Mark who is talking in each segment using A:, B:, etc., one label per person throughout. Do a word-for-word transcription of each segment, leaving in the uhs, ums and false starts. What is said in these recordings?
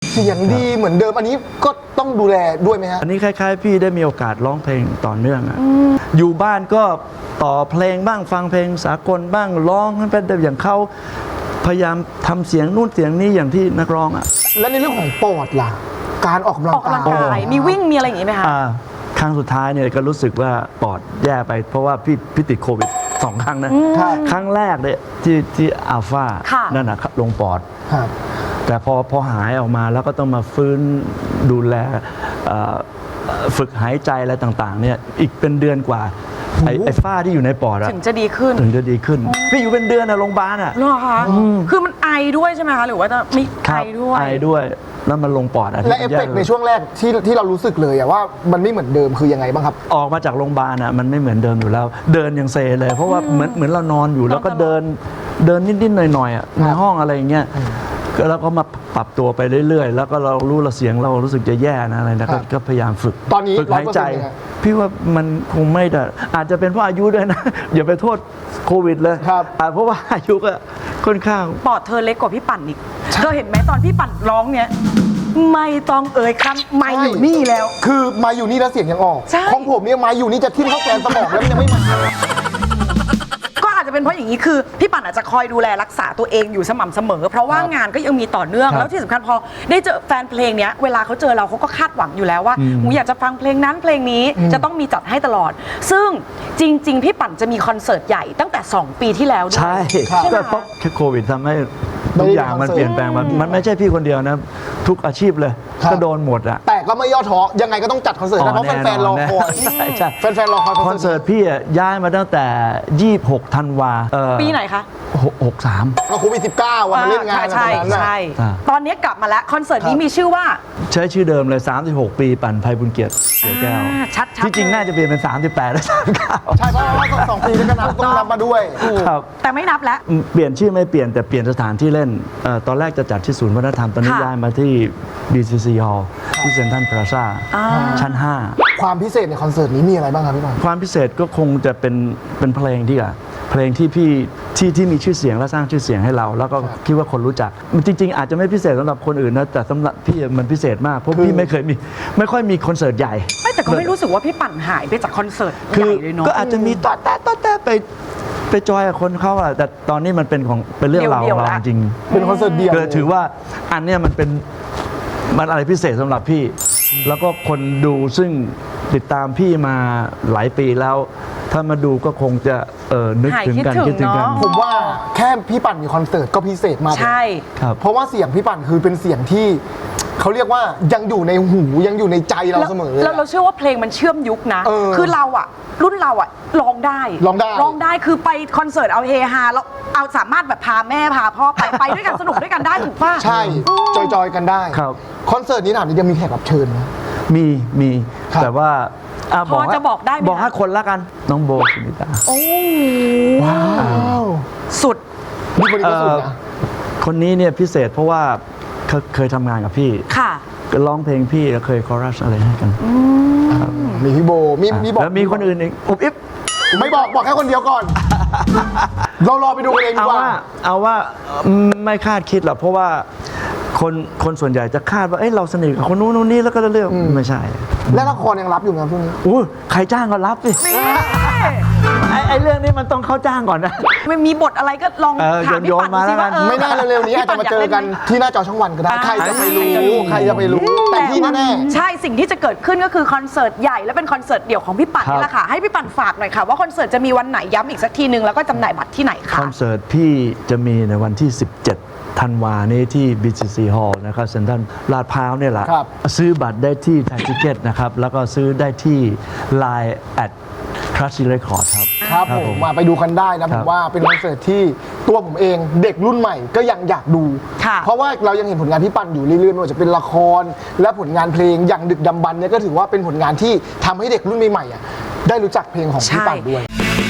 A: เสียงดีเหมือนเดิมอันนี้ก็ต้องดูแลด้วยไหมฮะ
B: อันนี้คล้ายๆพี่ได้มีโอกาสร้องเพลงต่อเนื่องอะอยู่บ้านก็ต่อเพลงบ้างฟังเพลงสากลบ้างร้องให้เป็นอย่างเขาพยายามทำเสียงนู่นเสียงนี้อย่างที่นักร้องอะ
A: และในเรื่องของปอดล่ะการออกกำลัง
C: ออกกำลังกายมีวิ่งมีอะไรอย่างงี้ไหมคะ
B: ครั้งสุดท้ายเนี่ยก็รู้สึกว่าปอดแย่ไปเพราะว่าพี่พี่ติดโควิดสองครั้งนะครั้งแรกเนี่ยที่ที่อัลฟานั่นนะลงปอดแต่พอพอหายออกมาแล้วก็ต้องมาฟื้นดูแลฝึกหายใจอะไรต่างๆเนี่ยอีกเป็นเดือนกว่าไอ้ไอ้ฝ้าที่อยู่ในปอด
C: ถึงจะดีขึ้น
B: ถึงจะดีขึ้นพี่อยู่เป็นเดือนอะโรงพยาบาลอะ
C: เหรอคะคือมันไอด้วยใช่ไหมคะหรือว่าจะมีไอด้วย
B: ไอด้วยแล้วมันลงปอดอะ
A: และเอฟเฟกต์ในช่วงแรกที่ที่เรารู้สึกเลยอะว่ามันไม่เหมือนเดิมคือยังไงบ้างครับ
B: ออกมาจากโรงพยาบาลอะมันไม่เหมือนเดิมอยู่แล้วเดินยังเซเลยเพราะว่าเหมือนเหมือนเรานอนอยู่แล้วก็เดินเดินนิดๆหน่อยๆอะในห้องอะไรอย่างเงี้ยแล้วก็มาปรับตัวไปเรื่อยๆแล้วก็เรารู้เราเสียงเรารู้สึกจะแย่นะอะไรนะก็พยายามฝึก
A: ตอนนี้
B: ฝึกหายใจพี่ว่ามันคงไม่ได้อาจจะเป็นเพราะอายุด้วยนะอย่าไปโทษโควิดเลยเพราะว่าอายุก็ค่อนข้าง
C: ปอดเธอเล็กกว่าพี่ปั่นอีกเธอเห็นไหมตอนพี่ปั่นร้องเนี้ยไม่ต้องเอ่ยคำไม่อยู่นี่แล้ว
A: คือมาอยู่นี่แล้วเสียงยังออกของผมเนี่ยมาอยู่นี่จะทิ่มเข้าแกนสมองแล้วมันยังไม่มา
C: อาจจะเป็นเพราะอย่างนี้คือพี่ปั่นอาจจะคอยดูแลรักษาตัวเองอยู่สม่ำเสมอเพราะว่างานก็ยังมีต่อเนื่องแล้วที่สำคัญพอได้เจอแฟนเพลงเนี้ยเวลาเขาเจอเราเขาก็คาดหวังอยู่แล้วว่าหนูอยากจะฟังเพลงนั้นเพลงนี้จะต้องมีจัดให้ตลอดซึ่งจริงๆพี่ปั่นจะมีคอนเสิร์ตใหญ่ตั้งแต่สองปีที่แล้ว
B: ใช่ก็เพราะแค่โควิดทำให้ทุกอย่างมันเปลี่ยนแปลงมันไม่ใช่พี่คนเดียวนะทุกอาชีพเลยก็โดนหมดอะ
A: แต่ก็ไม่ย่อท้อยังไงก็ต้องจัดคอนเสิร์ตเพราะแฟนๆรอคอยแฟนๆรอคอย
B: คอนเสิร์ตพี่ย้ายมาตั้งแต่ยี่สิบหกธันวา
C: ปีไหนคะ
B: หกสาม
A: ก็โควิดสิบเก้าวันมาเล่นงาน
C: ใช่ใช่ตอนนี้กลับมาแล้วคอนเสิร์ตนี้มีชื่อว่า
B: ใช้ชื่อเดิมเลยสามสิบหกปีปั่นไพบุญเกียรติเสือแก้ว
C: ชัด
B: ที่จริงน่าจะเปลี่ยนเป็นสามสิบแปดและสามสิบเก้า
A: ใช่เพราะว่าสองปีแล้วก็นับต้องนับมาด้วย
B: ครับ
C: แต่ไม่นับแล้ว
B: เปลี่ยนชื่อไม่เปลี่ยนแต่เปลี่ยนสถานที่เล่นตอนแรกจะจัดที่ศูนย์วัฒนธรรมตอนนี้ย้ายมาที่ บี ซี ซี Hall ที่เซ็นทรัลพลาซ่าชั้นห้า
A: ความพิเศษในคอนเสิร์ตนี้มีอะไรบ้างครับพี่บอล
B: ความพิเศษก็คงจะเป็นเป็นเพลงที่อะเพลงที่พี่ที่ที่มีชื่อเสียงและสร้างชื่อเสียงให้เราแล้วก็คิดว่าคนรู้จักจริงๆอาจจะไม่พิเศษสำหรับคนอื่นนะแต่สำหรับพี่มันพิเศษมากเพราะพี่ไม่เคยมีไม่ค่อยมีคอนเสิร์ตใหญ่
C: ไม่แต่ก็ไม่รู้สึกว่าพี่ปั่นหายไปจากคอนเสิร์ตใหญ่เลยเนาะ
B: ก็อาจจะมีต่อแต่ต่อแต่ไปไปจอยกับคนเขาอะแต่ตอนนี้มันเป็นของเป็นเรื่องราวของเราจริง
A: เป็นคอนเสิร์ตเดียว
B: ถือว่าอันเนี้ยมันเป็นมันอะไรพิเศษสำหรับพี่แล้วก็คนดูซึ่งติดตามพี่มาหลายปีแล้วถ้ามาดูก็คงจะเออนึกถึงกันคิดถึงกัน
A: ผมว่าแค่พี่ปั่นมีคอนเสิร์ตก็พิเศษมาก
C: ใช่
B: ครับ
A: เพราะว่าเสียงพี่ปั่นคือเป็นเสียงที่เขาเรียกว่ายังอยู่ในหูยังอยู่ในใจเราเสมอ
C: แล้วเราเชื่อว่าเพลงมันเชื่อมยุคนะคือเราอะรุ่นเราอะร้องได้
A: ร้องได้
C: ร้องได้คือไปคอนเสิร์ตเอาเฮฮาแล้วเอาสามารถแบบพาแม่พาพ่อไปไปด้วยกันสนุกด้วยกันได้ถูกป่ะ
A: ใช่จอยๆกันได้
B: ครับ
A: คอนเสิร์ตนี้ถามจะมีแขกรับเชิญไหม
B: มีมีแต่ว่า
C: พอจะบอกได้ไหม
B: บอกให้คนละกันน้องโบสุนิตา
C: โอ้
A: ว้าว
C: สุด
A: นี่คนนี้ก็สุดนะ
B: คนนี้เนี่ยพิเศษเพราะว่าเคยทำงานกับพี่
C: ค่ะ
B: ก็ร้องเพลงพี่แล้วเคยคอรัสอะไรให้กัน
A: มีพี่โบมีมีบอก
B: แล้วมีคนอื่นอีกอุบอิบ
A: ไม่บอกบอกแค่คนเดียวก่อนเรารอไปดูกันเองดีกว่า
B: เอาว่าไม่คาดคิดหรอกเพราะว่าคนคนส่วนใหญ่จะคาดว่าเอ้ยเราสนิทกับคนนู้นนู้นนี่แล้วก็เรื่องไม่ใช่
A: และละครยังรับอยู่ไหมพวกนี้
B: อู้ใครจ้างก็รับสิไอ้ไอ้เรื่องนี้มันต้องเข้าจ้างก่อนนะ
C: ไม่มีบทอะไรก็ลองถามพี่ปั่นสิว่า
A: ไม่น่าเร็วๆนี้อาจจะมาเจอกันที่หน้าจอช่องวันก็ได้ใครจะไปรู้ใครจะไปรู้แต่ที่แน่
C: ๆใช่สิ่งที่จะเกิดขึ้นก็คือคอนเสิร์ตใหญ่และเป็นคอนเสิร์ตเดี่ยวของพี่ปั่นนี่แหละค่ะให้พี่ปั่นฝากหน่อยค่ะว่าคอนเสิร์ตจะมีวันไหนย้ำอีกสักทีนึงแล้วก็จำหน่ายบัตรที่ไหนคะ
B: คอนเสิร์ตพี่จะมีในวันที่สิบเจ็ดธันวานี้ที่ บี ซี ซี Hall นะครับเซ็นทรัลลาดพร้าวเนี่ยแหละซื้อบัตรได้ที่ไทยทิเก็ตนะครับแล้วก็ซื้อได้ที่ ไลน์ แอท คลาสสิก เรคคอร์ด ครับ
A: ครับผมมาไปดูกันได้นะผมว่าเป็นคอนเสิร์ตที่ตัวผมเองเด็กรุ่นใหม่ก็ยังอยากดูเพราะว่าเรายังเห็นผลงานพี่ปั่นอยู่เรื่อยๆไม่ว่าจะเป็นละครและผลงานเพลงอย่างดึกดำบรรพ์เนี่ยก็ถือว่าเป็นผลงานที่ทำให้เด็กรุ่นใหม่ๆได้รู้จักเพลงของพี่ปั่นด้วย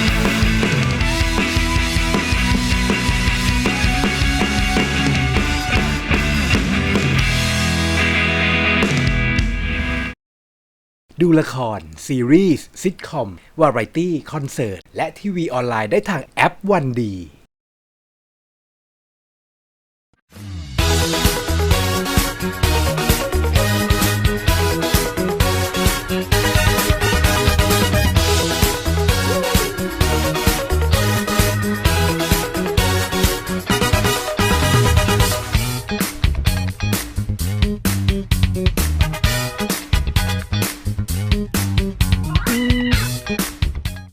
D: ดูละครซีรีส์ซิทคอมวาไรตี้คอนเสิร์ตและทีวีออนไลน์ได้ทางแอปวันดี